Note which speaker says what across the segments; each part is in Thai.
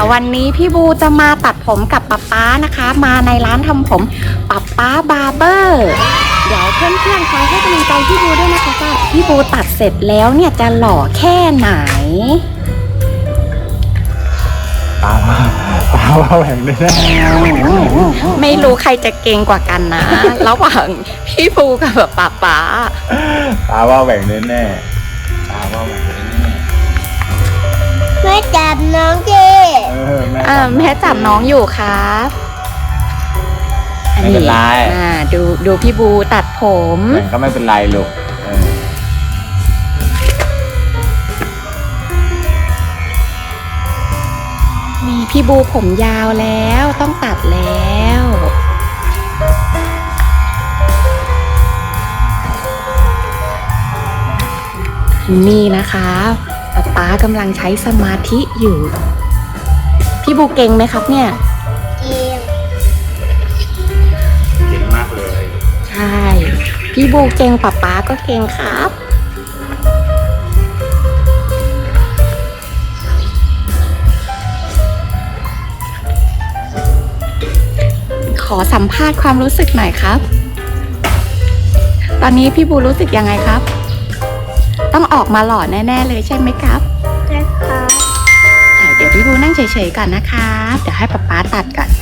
Speaker 1: วันนี้พี่บูจะมาตัดผมกับป๊าป๊านะคะมาในร้านทำผมป๊าป๊าบาร์เบอร์เดี๋ยวเพื่อนๆคอยให้กำลังใจพี่บูด้วยนะคะว่าพี่บูตัดเสร็จแล้วเนี่ยจะหล่อแค่ไหน
Speaker 2: ตาว่าแหว่งได้แน่
Speaker 1: ไม่รู้ใครจะเก่งกว่ากันนะ ระหว่างพี่บูกับป๊าป๊า
Speaker 2: ตาว่าแหว่งได้แน่ตาว่าแหว่งได้แน่
Speaker 3: แม่จับน้องจี
Speaker 1: แม่จับน้องอยู่ครับ
Speaker 2: ไม่เป็นไร
Speaker 1: ดูพี่บูตัดผม
Speaker 2: แหว่งก็ไม่เป็นไรลูก
Speaker 1: นี่พี่บูผมยาวแล้วต้องตัดแล้วนี่นะคะป๊ากำลังใช้สมาธิอยู่พี่บูเก่งไหมครับเนี่ย
Speaker 2: เก่งมากเลย
Speaker 1: ใช่พี่บูเก่งป๊าก็เก่งครับขอสัมภาษณ์ความรู้สึกหน่อยครับตอนนี้พี่บูรู้สึกยังไงครับต้องออกมาหล่อแน่ๆเลยใช่ไหมครับ
Speaker 3: ใช่ค่ะ
Speaker 1: เดี๋ยวพี่บูนั่งเฉยๆก่อนนะคะเดี๋ยวให้ป๊าตัดก่อน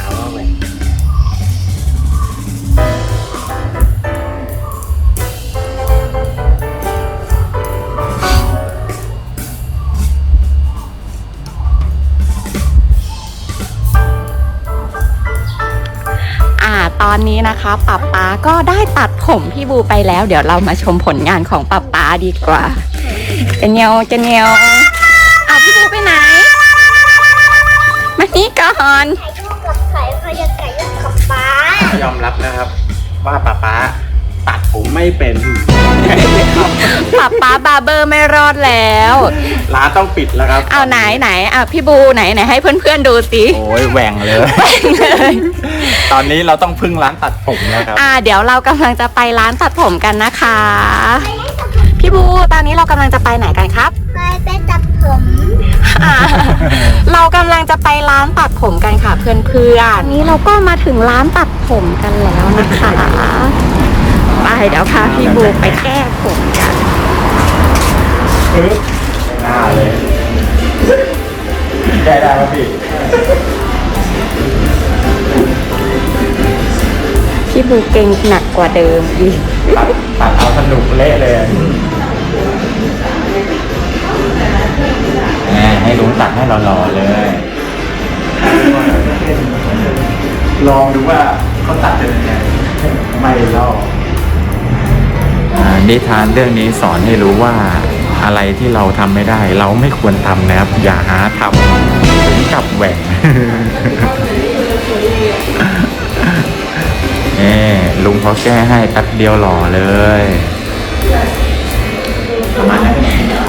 Speaker 1: ตอนนี้นะคะป๊าก็ได้ตัดผมพี่บูไปแล้วเดี๋ยวเรามาชมผลงานของป๊าดีกว่าจะเนียวพี่บูไปไหนมานี่ก่อน
Speaker 3: ถ่ายรูปกับไข่พยาไก่กับป๊าย
Speaker 2: อมรับนะครับว่าป๊าตัดผมไม่เป็น
Speaker 1: ป๊าบาร์เบอร์ไม่รอดแล้ว
Speaker 2: ร้านต้องปิดแล้วครับ
Speaker 1: เอาไหนพี่บูไหนให้เพื่อนๆดูสิ
Speaker 2: โอ้ยแหว่งเลยตอนนี้เราต้องพึ่งร้านตัดผมแล้วครับ
Speaker 1: เดี๋ยวเรากำลังจะไปร้านตัดผมกันนะคะพี่บูตอนนี้เรากำลังจะไปไหนกันครับ
Speaker 3: ไปตัดผม
Speaker 1: เรากำลังจะไปร้านตัดผมกันค่ะเพื่อนๆนี้เราก็มาถึงร้านตัดผมกันแล้วนะคะไปเดี๋ยวพาพี่บูไปแก้ผมกัน
Speaker 2: หน้าเลยแก้ได้ไหม
Speaker 1: พี่บูเก่งหนักกว่าเดิมอีก
Speaker 2: ตัดเอาสนุกเละเลยให้ลุงตัดให้หล่อๆเลยลองดูว่าเขาตัดเป็นยังไงไม่ลอกนิทานเรื่องนี้สอนให้รู้ว่าอะไรที่เราทำไม่ได้เราไม่ควรทำนะครับอย่าหาทำถึงกับแหว่งลุงเขาแก้ให้แป๊บเดียวหล่อเลยประมาณนั้น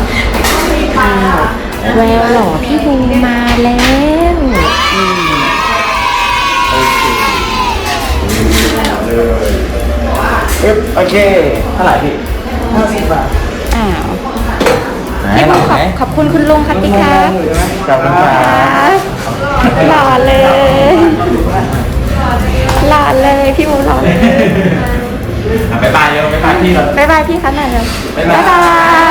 Speaker 1: แววหล่อพี่บูมาแล้ว
Speaker 2: โอเคเท่าไหร่พี่50 บาท
Speaker 1: พี่บูขอบคุณคุณลุงครับพี่ครับ
Speaker 2: ขอบคุณครับ
Speaker 1: หล่อเลยพี่บูหล่อเลย
Speaker 2: บ๊ายบายเร็วบ๊ายบายพี่เรา
Speaker 1: บ๊ายบายพี่คะหน่อยเร็วบ๊ายบา